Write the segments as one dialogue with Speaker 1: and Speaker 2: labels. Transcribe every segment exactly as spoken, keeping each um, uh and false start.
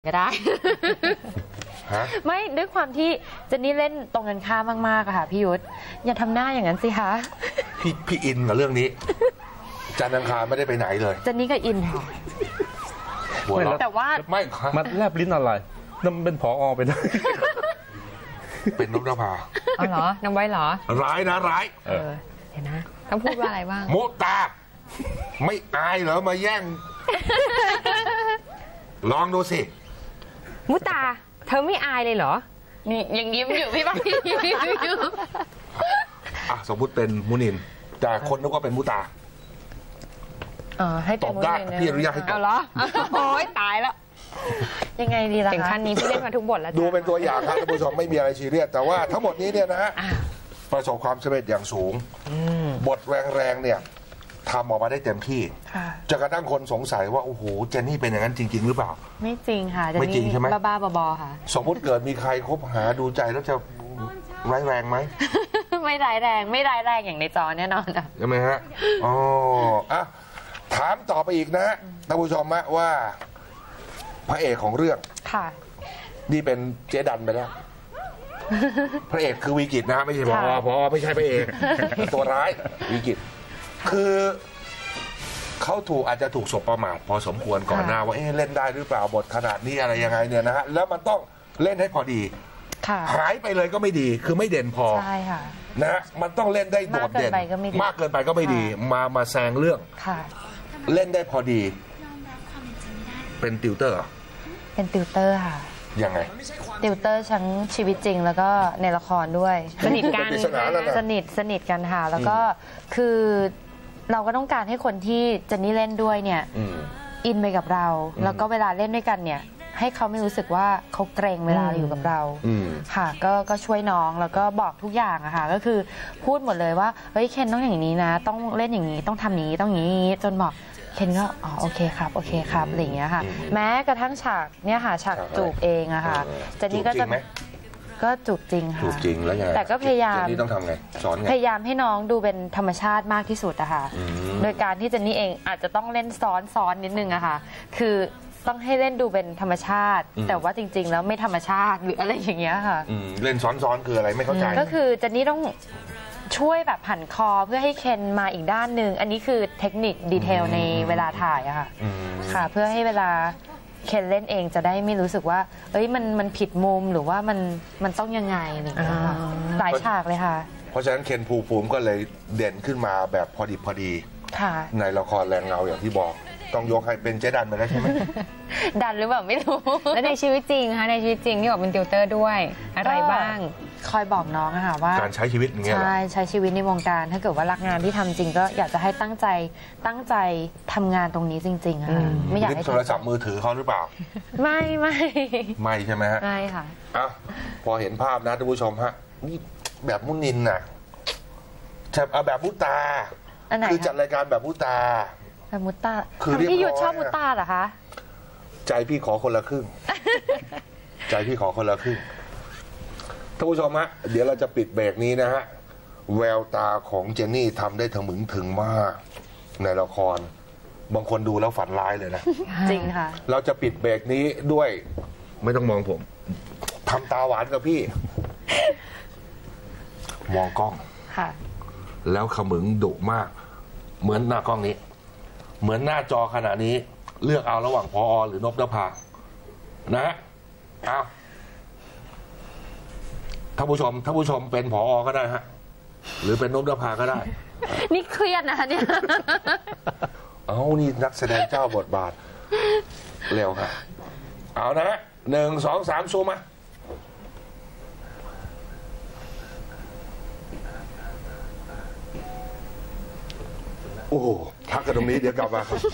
Speaker 1: ก็ได้ ไม่ด้วยความที่เจนนี่เล่นตรงกันข้ามมากๆอะค่ะพี่ยุทธอย่าทำหน้าอย่างนั้นสิคะ
Speaker 2: พี่พี่อินกับเรื่องนี้จันทร์อังคารไม่ได้ไปไหนเลย
Speaker 1: เจนนี่ก็อินค่ะแต่ว่า
Speaker 3: ไม่มันแลบลิ้นอะไรนั่นเป็นผอ.ไปได้
Speaker 2: เป็นนพนภา
Speaker 1: อ๋อเหรอนำไว้เหรอ
Speaker 2: ร้ายนะร้าย
Speaker 1: เออเห็นนะต้องพูดว่าอะไรบ้าง
Speaker 2: มุตาไม่อายเหรอมาแย่งลองดูสิ
Speaker 1: มุตาเธอไม่อายเลยเหรอนี่ยังยิ้มอยู่พี่บ้าง
Speaker 2: อ่ะสมมุติเป็นมุนินแต่คนนึกว่าเป็นมุตา
Speaker 1: อ๋อให้ต
Speaker 2: บได้พี่อนุญาตให้ตบ
Speaker 1: เอาเหรอโอ้ยตายแล้วยังไงดีล่ะถึงขั้นนี้พี่เล่นมาทุกบทแล้ว
Speaker 2: ดูเป็นตัวอย่างครับท่านผู้ชมไม่มีอะไรซีเรียสแต่ว่าทั้งหมดนี้เนี่ยนะฮะประสบความสำเร็จอย่างสูงบทแรงๆเนี่ยทำออกมาได้เต็มที่จนกระทั่งคนสงสัยว่าโอ้โหเจนนี่เป็นอย่างนั้นจริงๆหรือเปล่า
Speaker 1: ไม่จริงค่ะ
Speaker 2: ไม่จริงใช่ไหม
Speaker 1: บ้าๆบอๆค่ะ
Speaker 2: สมมติเกิดมีใครคบหาดูใจแล้วจะร้ายแรงไหม
Speaker 1: ไม่ร้ายแรงไม่ร้ายแรงอย่างในจอแน่นอน
Speaker 2: ใช่ไหมฮะอ๋ออ่ะถามต่อไปอีกนะท่านผู้ชมนะว่าพระเอกของเรื่องค่ะนี่เป็นเจ๊ดันไปแล้วพระเอกคือวิกิตนะไม่ใช่พอพอไม่ใช่พระเอกตัวร้ายวิกิตคือเขาถูกอาจจะถูกสบประมาทพอสมควรก่อนหน้าว่าเอ๊ะเล่นได้หรือเปล่าบทขนาดนี้อะไรยังไงเนี่ยนะฮะแล้วมันต้องเล่นให้พอดีหายไปเลยก็ไม่ดีคือไม่เด่นพอ
Speaker 1: ใช่ค่ะ
Speaker 2: นะมันต้องเล่นได้โดดเด่นมากเกินไปก็ไม่ดีมามาแซงเรื่องเล่นได้พอดีเป็นติวเตอร์
Speaker 1: เป็นติวเตอร์ค่ะ
Speaker 2: ยังไง
Speaker 1: ติวเตอร์ทั้งชีวิตจริงแล้วก็ในละครด้วยสนิทกันสนิทสนิทกันค่ะแล้วก็คือเราก็ต้องการให้คนที่เจนนี่เล่นด้วยเนี่ยอินไปกับเราแล้วก็เวลาเล่นด้วยกันเนี่ยให้เขาไม่รู้สึกว่าเขาเกรงเวลาอยู่กับเราค่ะก็ก็ช่วยน้องแล้วก็บอกทุกอย่างอะค่ะก็คือพูดหมดเลยว่าเฮ้ยเคนต้องอย่างนี้นะต้องเล่นอย่างนี้ต้องทำนี้ต้องอย่างนี้จนบอกเคนก็อ๋อโอเคครับโอเคครับอะไรอย่างเงี้ยค่ะแม้กระทั่งฉากเนี่ยค่ะฉากจูบเองอะค่ะเจนนี่ก็จะก็จูบจริงค่ะ
Speaker 2: จูบจริงแล้วไง
Speaker 1: แต่ก็พยายาม
Speaker 2: เจนนี่ต้องทำไงสอนไง
Speaker 1: พยายามให้น้องดูเป็นธรรมชาติมากที่สุดอะค่ะโดยการที่เจนนี่เองอาจจะต้องเล่นซ้อนซ้อนนิดนึงอะค่ะคือต้องให้เล่นดูเป็นธรรมชาติแต่ว่าจริงๆแล้วไม่ธรรมชาติหรืออะไรอย่างเงี้ยค่ะ
Speaker 2: เล่นซ้อนๆคืออะไรไม่เข้าใจ
Speaker 1: ก็คือเจนนี่ต้องช่วยแบบผันคอเพื่อให้เคนมาอีกด้านหนึ่งอันนี้คือเทคนิคดีเทลในเวลาถ่ายอะค่ะค่ะเพื่อให้เวลาเคนเล่นเองจะได้ไม่รู้สึกว่าเอ้ยมันมันผิดมุมหรือว่ามันมันต้องยังไงอะไรอย่างเงี้ยค่ะหลายฉากเลยค่ะ
Speaker 2: เพราะฉะนั้นเคนภูมิภูมิก็เลยเด่นขึ้นมาแบบพอดีพอดีในละครแรงเงาอย่างที่บอกต้องยกให้เป็นเจ๊ดันไปแล้วใช่ไหม
Speaker 1: ดันหรือเปล่าไม่รู้
Speaker 4: แล้วในชีวิตจริงคะในชีวิตจริงที่บอกเป็นติวเตอร์ด้วยอะไรบ้าง
Speaker 1: คอยบอกน้องอะค่ะว่า
Speaker 2: การใช้ชีวิตอย่างเงี้ย
Speaker 1: ใช่ใช้ชีวิตในวงการถ้าเกิดว่ารักงานที่ทำจริงก็อยากจะให้ตั้งใจตั้งใจทำงานตรงนี้จริงๆค่ะไม่อยากให้
Speaker 2: โทรศัพท์มือถือเขาหรือเปล่า
Speaker 1: ไม่ไม่
Speaker 2: ไม่ใช่ไหมฮะ
Speaker 1: ไม่ค่ะ
Speaker 2: อ้าวพอเห็นภาพนะท่านผู้ชมฮะนี่แบบมุนินน่ะแบบมุตาคือจัดรายการแบบมุตา
Speaker 1: แบบมุตาคือพี่ยุทธชอบมุตาเหรอคะ
Speaker 2: ใจพี่ขอคนละครึ่งใจพี่ขอคนละครึ่งท่านผู้ชมฮะเดี๋ยวเราจะปิดเบรกนี้นะฮะแววตาของเจนนี่ทำได้ถึงมึงถึงมากในละครบางคนดูแล้วฝันร้ายเลยนะ
Speaker 1: จริงค่ะ
Speaker 2: เราจะปิดเบรกนี้ด้วยไม่ต้องมองผมทำตาหวานกับพี่มองกล้อง
Speaker 1: ค่ะ
Speaker 2: แล้วขมึงดุมากเหมือนหน้ากล้องนี้เหมือนหน้าจอขณะนี้เลือกเอาระหว่างพอหรือนพนภานะฮะเอาท่านผู้ชมท่านผู้ชมเป็นผอก็ได้ฮะหรือเป็นนพนภาก็ได้
Speaker 1: นี่เครียดนะเนี่ย
Speaker 2: เอานี่นักแสดงเจ้าบทบาทเร็วครับเอานะฮะหนึ่งสองสามซูมมาโอ้พักกันตรงนี้เดี๋ยวกลับมาครับเรื่อง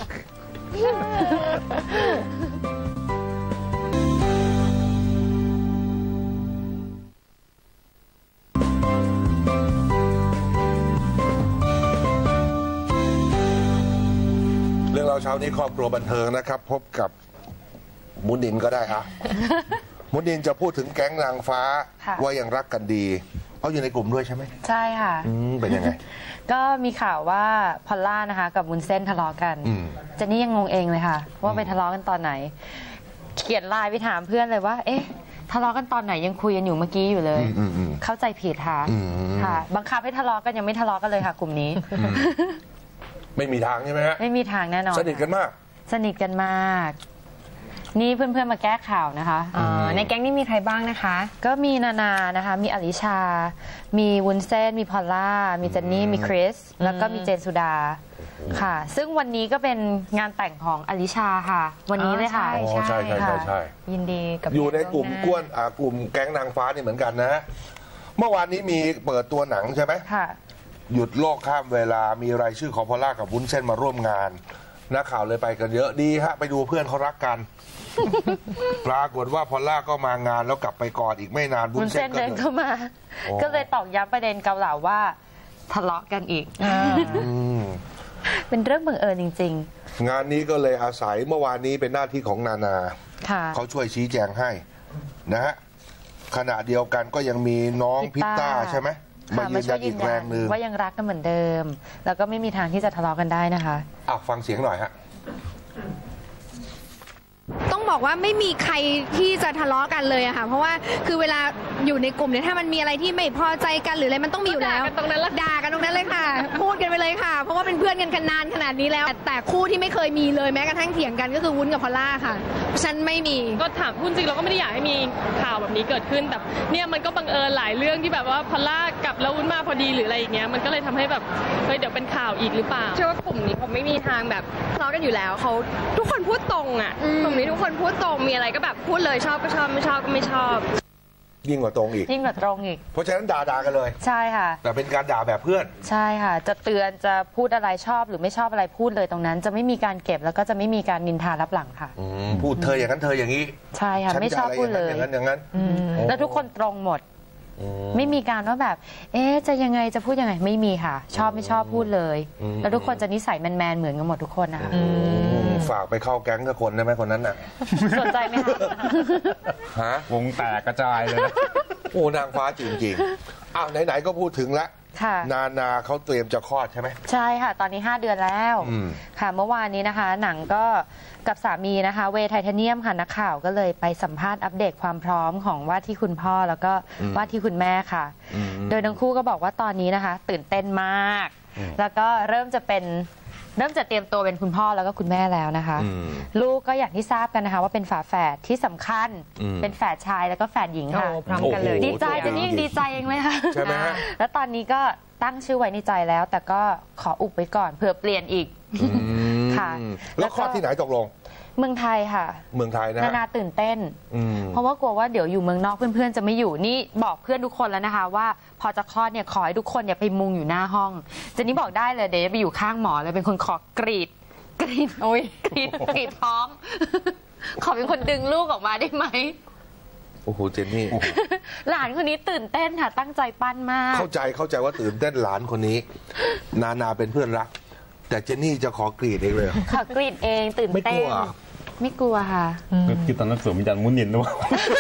Speaker 2: เราเช้านี้ครอบครัวบันเทิงนะครับพบกับมุนินก็ได้ครับมุนินจะพูดถึงแก๊งนางฟ้าว่ายังรักกันดีเขาอยู่ในกลุ่มด้วยใช่ไหม
Speaker 1: ใช่ค่ะ
Speaker 2: เป็นยังไง
Speaker 1: ก็มีข่าวว่าพอลล่านะคะกับวุ้นเส้นทะเลาะกันเจนนี่ยังงงเองเลยค่ะว่าไปทะเลาะกันตอนไหนขียนไลน์ไปถามเพื่อนเลยว่าเอ๊ะทะเลาะกันตอนไหนยังคุยกันอยู่เมื่อกี้อยู่เลยเข้าใจผิดค่ะค่ะบังคับให้ทะเลาะกันยังไม่ทะเลาะกันเลยค่ะกลุ่มนี้
Speaker 2: ไม่มีทางใช่ไหมฮะ
Speaker 1: ไม่มีทางแน่นอน
Speaker 2: สนิทกันมาก
Speaker 1: สนิทกันมากนี่เพื่อนๆมาแก้ข่าวนะคะ
Speaker 4: ในแก๊งนี้มีใครบ้างนะคะ
Speaker 1: ก็มีนานานะคะมีอลิชามีวุ้นเส้นมีพอลล่ามีเจนนี่มีคริสแล้วก็มีเจนสุดาค่ะซึ่งวันนี้ก็เป็นงานแต่งของอลิชาค่ะวันนี้เลยค่ะ
Speaker 2: ใช่ใช่ใช่ใช่
Speaker 1: ยินดีกับ
Speaker 2: อยู่ในกลุ่มกวนอ่ากลุ่มแก๊งนางฟ้านี่เหมือนกันนะเมื่อวานนี้มีเปิดตัวหนังใช่ไหม
Speaker 1: ค่ะ
Speaker 2: หยุดโลกข้ามเวลามีรายชื่อของพอลล่ากับวุ้นเส้นมาร่วมงานนักข่าวเลยไปกันเยอะดีฮะไปดูเพื่อนเขารักกันปรากฏว่าพอลล่าก็มางานแล้วกลับไปกอดอีกไม่นาน
Speaker 1: วุ้นเส้นเดินเข้ามาก็เลยตอกย้ำประเด็นเกาเหลาว่าทะเลาะกันอีกเป็นเรื่องบังเอิญจริง
Speaker 2: ๆงานนี้ก็เลยอาศัยเมื่อวานนี้เป็นหน้าที่ของนานาเขาช่วยชี้แจงให้นะฮะขณะเดียวกันก็ยังมีน้องพิตต้าใช่ไหมมายืนยันอีกแรงหนึ่ง
Speaker 1: ว่ายังรักกันเหมือนเดิมแล้วก็ไม่มีทางที่จะทะเลาะกันได้นะคะ
Speaker 2: อ่ะฟังเสียงหน่อยฮะ
Speaker 5: ต้องบอกว่าไม่มีใครที่จะทะเลาะกันเลยอะค่ะเพราะว่าคือเวลาอยู่ในกลุ่มเนี่ยถ้ามันมีอะไรที่ไม่พอใจกันหรืออะไรมันต้องมีอยู่แล้ว
Speaker 4: ตรงนั้นละ
Speaker 5: ด่ากันตรงนั้นเลยค่ะพูดกันไปเลยค่ะเพราะว่าเป็นเพื่อนกันกันนานขนาดนี้แล้วแต่คู่ที่ไม่เคยมีเลยแม้กระทั่งเถียงกันก็คือวุ้นกับพอลล่าค่ะฉันไม่มี
Speaker 4: ก็ถามพูดจริงเราก็ไม่ได้อยากให้มีข่าวแบบนี้เกิดขึ้นแต่เนี่ยมันก็บังเอิญหลายเรื่องที่แบบว่าพอลล่ากลับแล้ววุ้นมาพอดีหรืออะไรอย่างเงี้ยมันก็เลยทำให้แบบเฮ้ยเดี๋ยวเป็นข่าวอีกหรือเปล่าเชื่อว่ากลุ่มนี้ผมไม่มีทางแบบทะเลาะกันอยู่แล้วเขาทุกคนพูดตรงอะกลุ่มนี้ทุกคนพูดตรงมีอะไรก็แบบพูดเลยชอบก็ชอบไม่ชอบก็ไม่ชอบ
Speaker 2: ยิ่งกว่าตรงอีก
Speaker 1: ยิ่งกว่าตรงอีก
Speaker 2: เพราะฉะนั้นด่าด่ากันเลย
Speaker 1: ใช่ค่ะ
Speaker 2: แต่เป็นการด่าแบบเพื่อน
Speaker 1: ใช่ค่ะจะเตือนจะพูดอะไรชอบหรือไม่ชอบอะไรพูดเลยตรงนั้นจะไม่มีการเก็บแล้วก็จะไม่มีการนินทารับหลังค่ะ
Speaker 2: พูดเธออย่างนั้นเธออย่างนี้
Speaker 1: ใช่ค่ะไม่ชอบพูดเลย
Speaker 2: อย่างนั้นอย่างนั้น
Speaker 1: แล้วทุกคนตรงหมดไม่มีการว่าแบบเอ๊ะจะยังไงจะพูดยังไงไม่มีค่ะชอบไม่ชอบพูดเลยแล้วทุกคนจะนิสัยแมนๆเหมือนกันหมดทุกคนนะคะ
Speaker 2: ฝากไปเข้าแก๊งทุกคนได้ไหมคนนั้นน่ะ
Speaker 1: สนใจไหมคะ
Speaker 2: ฮะ
Speaker 3: วงแตกกระจายเลย
Speaker 2: โอ้นางฟ้าจริงๆอ้าวไหนๆก็พูดถึงแล้วนานาเขาเตรียมจะคลอดใช่ไหม
Speaker 1: ใช่ค่ะตอนนี้ห้าเดือนแล้วค่ะเมื่อวานนี้นะคะหนังก็กับสามีนะคะเวย์ไทเทเนียมค่ะนักข่าวก็เลยไปสัมภาษณ์อัปเดตความพร้อมของว่าที่คุณพ่อแล้วก็ว่าที่คุณแม่ค่ะโดยทั้งคู่ก็บอกว่าตอนนี้นะคะตื่นเต้นมากแล้วก็เริ่มจะเป็นเริ่มจะเตรียมตัวเป็นคุณพ่อแล้วก็คุณแม่แล้วนะคะลูกก็อย่างที่ทราบกันนะคะว่าเป็นฝาแฝดที่สำคัญเป็นแฝดชายแล้วก็แฝดหญิงค่ะ
Speaker 4: พร้อมกันเลย
Speaker 1: ดีใจจะนี่ยังดีใจเองเลยค่ะ
Speaker 2: ใช่ไหมฮะ
Speaker 1: แล้วตอนนี้ก็ตั้งชื่อไว้ในใจแล้วแต่ก็ขออุบไว้ก่อนเผื่อเปลี่ยนอีกค่ะ
Speaker 2: แล้วคลอดที่ไหนตกลง
Speaker 1: เมืองไทยค่ะ
Speaker 2: เมืองไทยนะ
Speaker 1: นานาตื่นเต้นเพราะว่ากลัวว่าเดี๋ยวอยู่เมืองนอกเพื่อนๆจะไม่อยู่นี่บอกเพื่อนทุกคนแล้วนะคะว่าพอจะคลอดเนี่ยขอให้ทุกคนเนี่ยไปมุงอยู่หน้าห้องเจนนี่บอกได้เลยเดี๋ยวจะไปอยู่ข้างหมอเลยเป็นคนขอกรีดกรีดโอ้ยกรีดกรีดท้องขอเป็นคนดึงลูกออกมาได้ไหม
Speaker 2: โอ้โหเจนนี่
Speaker 1: หลานคนนี้ตื่นเต้นค่ะตั้งใจปั้นมาก
Speaker 2: เข้าใจเข้าใจว่าตื่นเต้นหลานคนนี้นานาเป็นเพื่อนรักแต่เจนนี่จะขอกรีดเองเลย
Speaker 1: ขอกรีดเองตื่นเต้นไม่กลัวค่ะ
Speaker 3: คิดตอนนั้นสวมวิญญาณมุนินด้วย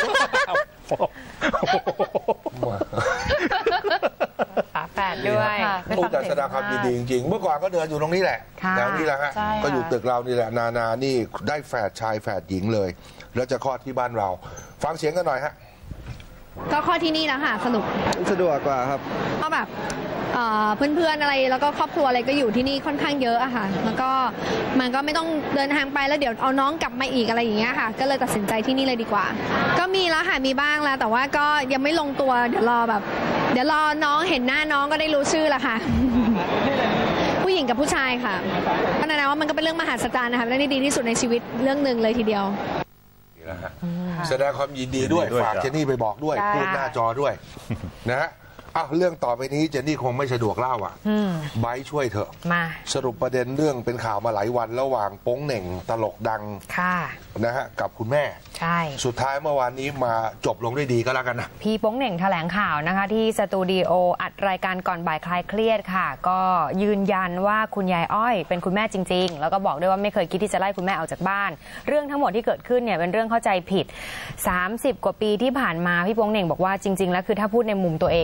Speaker 4: ฝาแฝดด้วย
Speaker 2: ผู้จัดแสดงความยินดีจริงๆเมื่อก่อนก็เดินอยู่ตรงนี้แหละแถวนี้แหละฮะก็อยู่ตึกเรานี่แหละนานานี่ได้แฝดชายแฝดหญิงเลยแล้วจะคลอดที่บ้านเราฟังเสียงกันหน่อยฮะ
Speaker 5: ก็คลอดที่นี่แล้วค่ะสนุก
Speaker 6: สะดวกกว่าครับ
Speaker 5: ก็แบบเพื่อนๆอะไรแล้วก็ครอบครัวอะไรก็อยู่ที่นี่ค่อนข้างเยอะอะค่ะแล้วก็มันก็ไม่ต้องเดินทางไปแล้วเดี๋ยวเอาน้องกลับมาอีกอะไรอย่างเงี้ยค่ะก็เลยตัดสินใจที่นี่เลยดีกว่าก็มีแล้วค่ะมีบ้างแล้วแต่ว่าก็ยังไม่ลงตัวเดี๋ยวรอแบบเดี๋ยวรอน้องเห็นหน้าน้องก็ได้รู้ชื่อละค่ะผู้หญิงกับผู้ชายค่ะเพราะนั้นว่ามันก็เป็นเรื่องมหัศจรรย์นะคะและนี่ดีที่สุดในชีวิตเรื่องหนึ่งเลยทีเดียว
Speaker 2: แสดงความยินดีด้วยฝากเจนนี่ไปบอกด้วยพูดหน้าจอด้วยนะฮะอ้าวเรื่องต่อไปนี้เจนนี่คงไม่สะดวกเล่าอ่ะไบร์ทช่วยเถอะ
Speaker 4: มา
Speaker 2: สรุปประเด็นเรื่องเป็นข่าวมาหลายวันระหว่างโป้งเหน่งตลกดัง
Speaker 4: ค่ะ
Speaker 2: นะฮะกับคุณแม่
Speaker 4: ใช่
Speaker 2: สุดท้ายเมื่อวานนี้มาจบลงด้วยดีก็แล้วกันนะ
Speaker 4: พี่โป้งเหน่งแถลงข่าวนะคะที่สตูดิโออัดรายการก่อนบ่ายคลายเครียดค่ะก็ยืนยันว่าคุณยายอ้อยเป็นคุณแม่จริงๆแล้วก็บอกด้วยว่าไม่เคยคิดที่จะไล่คุณแม่ออกจากบ้านเรื่องทั้งหมดที่เกิดขึ้นเนี่ยเป็นเรื่องเข้าใจผิดสามสิบกว่าปีที่ผ่านมาพี่โป้งเหน่งบอกว่าจริงๆแล้วคือถ้าพูดในมุมตัวเองเนี่ยก็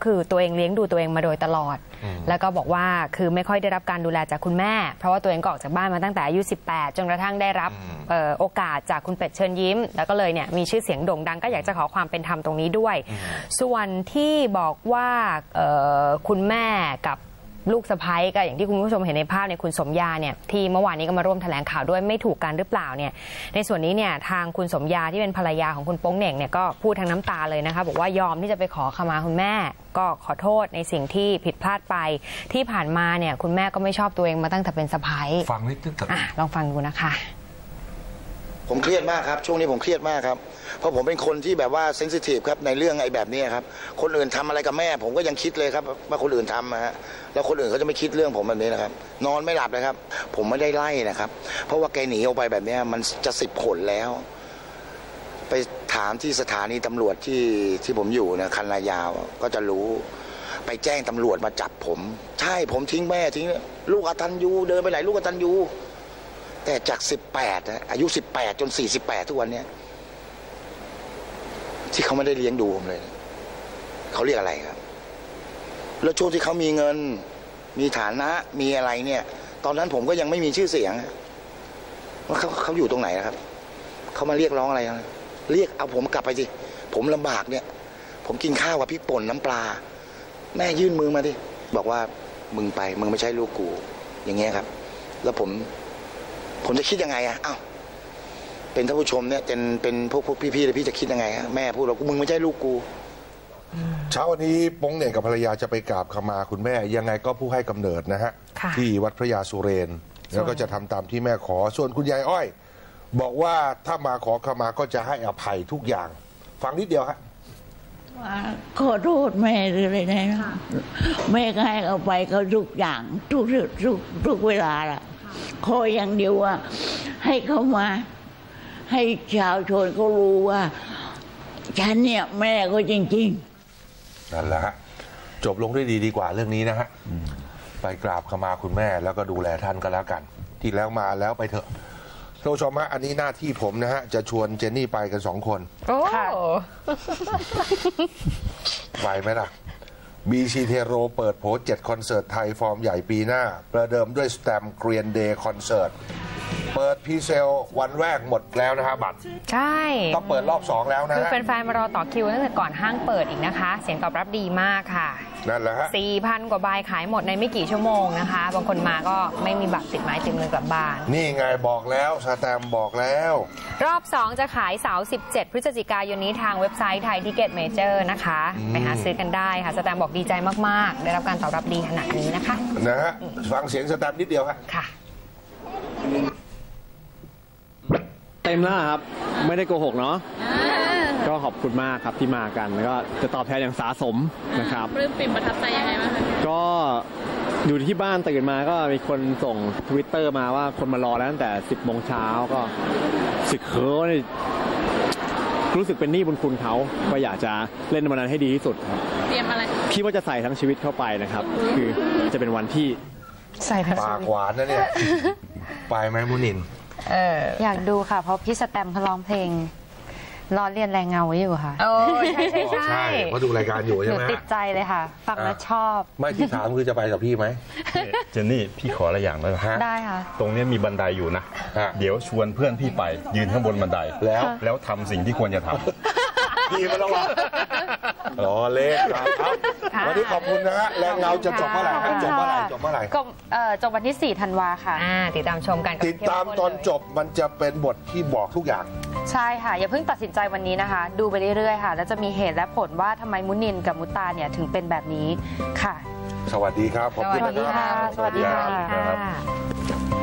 Speaker 6: คือตัวเองเลี้ยงดูตัวเองมาโดยตลอดแล้วก็บอกว่าคือไม่ค่อยได้รับการดูแลจากคุณแม่เพราะว่าตัวเองก็ออกจากบ้านมาตั้งแต่อายุสิบแปดจนกระทั่งได้รับโอกาสจากคุณเป็ดเชิญยิ้มแล้วก็เลยเนี่ยมีชื่อเสียงโด่งดังก็อยากจะขอความเป็นธรรมตรงนี้ด้วยส่วนที่บอกว่าคุณแม่กับลูกสะใภ้ก็อย่างที่คุณผู้ชมเห็นในภาพเนี่ยคุณสมยาเนี่ยที่เมื่อวานนี้ก็มาร่วมแถลงข่าวด้วยไม่ถูกกันหรือเปล่าเนี่ยในส่วนนี้เนี่ยทางคุณสมยาที่เป็นภรรยาของคุณโป๊งเหน่งเนี่ยก็พูดทั้งน้ำตาเลยนะคะบอกว่ายอมที่จะไปขอขมาคุณแม่ก็ขอโทษในสิ่งที่ผิดพลาดไปที่ผ่านมาเนี่ยคุณแม่ก็ไม่ชอบตัวเองมาตั้งแต่เป็นสะใภ้
Speaker 2: ฟังนิดนึงอ่ะ
Speaker 6: ลองฟังดูนะคะ
Speaker 7: ผมเครียดมากครับช่วงนี้ผมเครียดมากครับเพราะผมเป็นคนที่แบบว่าเซนซิทีฟครับในเรื่องไอ้แบบนี้ครับคนอื่นทำอะไรกับแม่ผมก็ยังคิดเลยครับว่าคนอื่นทำนะฮะแล้วคนอื่นเขาจะไม่คิดเรื่องผมแบบนี้นะครับนอนไม่หลับเลยครับผมไม่ได้ไล่นะครับเพราะว่าแกหนีออกไปแบบนี้มันจะสิบขนแล้วไปถามที่สถานีตำรวจที่ที่ผมอยู่นะคันนายาวก็จะรู้ไปแจ้งตำรวจมาจับผมใช่ผมทิ้งแม่ทิ้งลูกอตัญญูเดินไปไหนลูกอตัญญูแต่จากสิบแปดอายุสิบแปดจนสี่สิบแปดทุกวันนี้ที่เขาไม่ได้เลี้ยงดูผมเลยเขาเรียกอะไรครับแล้วช่วงที่เขามีเงินมีฐานะมีอะไรเนี่ยตอนนั้นผมก็ยังไม่มีชื่อเสียงว่าเขาเขาอยู่ตรงไหนนะครับเขามาเรียกร้องอะไรเรียกเอาผมกลับไปสิผมลำบากเนี่ยผมกินข้าวกับพริกป่นน้ำปลาแม่ยื่นมือมาดิบอกว่ามึงไปมึงไม่ใช่ลูกกูอย่างเงี้ยครับแล้วผมผมจะคิดยังไงอะอ้าวเป็นท่านผู้ชมเนี่ยเป็นเป็นพวกพวกพี่ๆเลยพี่จะคิดยังไงฮะแม่พูดเรามึงไม่ใช่ลูกกู
Speaker 2: เช้าวันนี้โป๊งเหน่งกับภรรยาจะไปกราบขมาคุณแม่ยังไงก็ผู้ให้กำเนิดนะฮะที่วัดพระยาสุเรนแล้วก็จะทำตามที่แม่ขอส่วนคุณยายอ้อยบอกว่าถ้ามาขอขมาก็จะให้อภัยทุกอย่างฟังนิดเดียวฮะ
Speaker 8: ขอโทษแม่เลยนะแม่ก็ให้เอาไปเขาทุกอย่างทุกทุกทุกเวลาละขออย่างเดียวว่าให้เขามาให้ชาวชนเขารู้ว่าฉันเนี่ยแม่ก็จริง
Speaker 2: ๆนั่นแหละฮะจบลงด้วยดีดีกว่าเรื่องนี้นะฮะไปกราบขมาคุณแม่แล้วก็ดูแลท่านก็แล้วกันที่แล้วมาแล้วไปเถอะท่านผู้ชมฮะอันนี้หน้าที่ผมนะฮะจะชวนเจนนี่ไปกันสองคน
Speaker 6: โอ้
Speaker 2: ไหวไหมล่ะบีซีเทโรเปิดโผเจ็ดคอนเสิร์ตไทยฟอร์มใหญ่ปีหน้าประเดิมด้วยสแตมเกรียนเดย์คอนเสิร์ตเปิดพรีเซลวันแรกหมดแล้วนะฮะบัตร
Speaker 6: ใช่
Speaker 2: ต้องเปิดรอบสองแล้วนะ
Speaker 6: คือแฟนๆมารอต่อคิวตั้งแต่ก่อนห้างเปิดอีกนะคะเสียงตอบรับดีมากค่ะ
Speaker 2: นั่นแหละฮะ
Speaker 6: สี่พัน กว่าใบขายหมดในไม่กี่ชั่วโมงนะคะบางคนมาก็ไม่มีบัตรติดไม้ติดมือกลับบ้าน
Speaker 2: นี่ไงบอกแล้วสแตมบอกแล้ว
Speaker 6: รอบสองจะขายเสาร์สิบเจ็ดพฤศจิกายนนี้ทางเว็บไซต์ไทยทิเก็ตเมเจอร์นะคะไปหาซื้อกันได้ค่ะสแตมบอกดีใจมากๆได้รับการตอบรับดีขนาดนี้นะคะ
Speaker 2: นะฮะฟังเสียงสแตมนิดเดียวฮะ
Speaker 6: ค่ะ
Speaker 9: เต็มแล้วครับไม่ได้โกหกเนาะก็ขอบคุณมากครับที่มากันแล้วก็จะตอบแทนอย่างสาสมนะครับ
Speaker 4: ปลื้มปิ่มประทับใจยังไงบ้างคะ
Speaker 9: ก็อยู่ที่บ้านตื่นมาก็มีคนส่งทวิตเตอร์มาว่าคนมารอแล้วตั้งแต่สิบโมงเช้าก็สึกเขินรู้สึกเป็นหนี้บุญคุณเขาก็อยากจะเล่นวันนั้นให้ดีที่สุดครับ
Speaker 4: เตรียมอะไร
Speaker 9: คิดว่าจะใส่ทั้งชีวิตเข้าไปนะครับคือจะเป็นวันที่
Speaker 6: ใส่
Speaker 2: ปากหวานนะเนี่ยไปไหมมุนิน
Speaker 1: เอออยากดูค่ะเพราะพี่สแตมเขาร้องเพลงรอเรียนแรงเงาไว้อยู่ค่ะ
Speaker 6: โอ้ใช่ใช่
Speaker 2: ใช่เพราะดูรายการอยู่ใช่ไหม
Speaker 1: ติดใจเลยค่ะฟังแล้วชอบ
Speaker 2: ไม่ที่ถามคือจะไปกับพี่ไหม
Speaker 3: เจนนี่พี่ขออะไรอย่างได้ไหม
Speaker 1: ได้ค่ะ
Speaker 3: ตรงนี้มีบันไดอยู่นะเดี๋ยวชวนเพื่อนพี่ไปยืนข้างบนบันได
Speaker 2: แล้ว
Speaker 3: แล้วทำสิ่งที่ควรจะทำ
Speaker 2: พี่มาแล้ววะรอเล่นครับวันนี้ขอบคุณนะฮะแรงเงาจะจบเมื่อไหร่จบเมื่อไหร่จบเมื่อไหร่
Speaker 1: จบวันที่สี่ธันวาค่ะ
Speaker 6: ติดตามชมกัน
Speaker 2: ติดตามตอนจบมันจะเป็นบทที่บอกทุกอย่าง
Speaker 1: ใช่ค่ะอย่าเพิ่งตัดสินใจวันนี้นะคะดูไปเรื่อยๆค่ะแล้วจะมีเหตุและผลว่าทำไมมุนินกับมุตาเนี่ยถึงเป็นแบบนี้ค่ะ
Speaker 2: สวัสดีครับ
Speaker 1: ขอบคุณค่ะสวัสดีค่ะ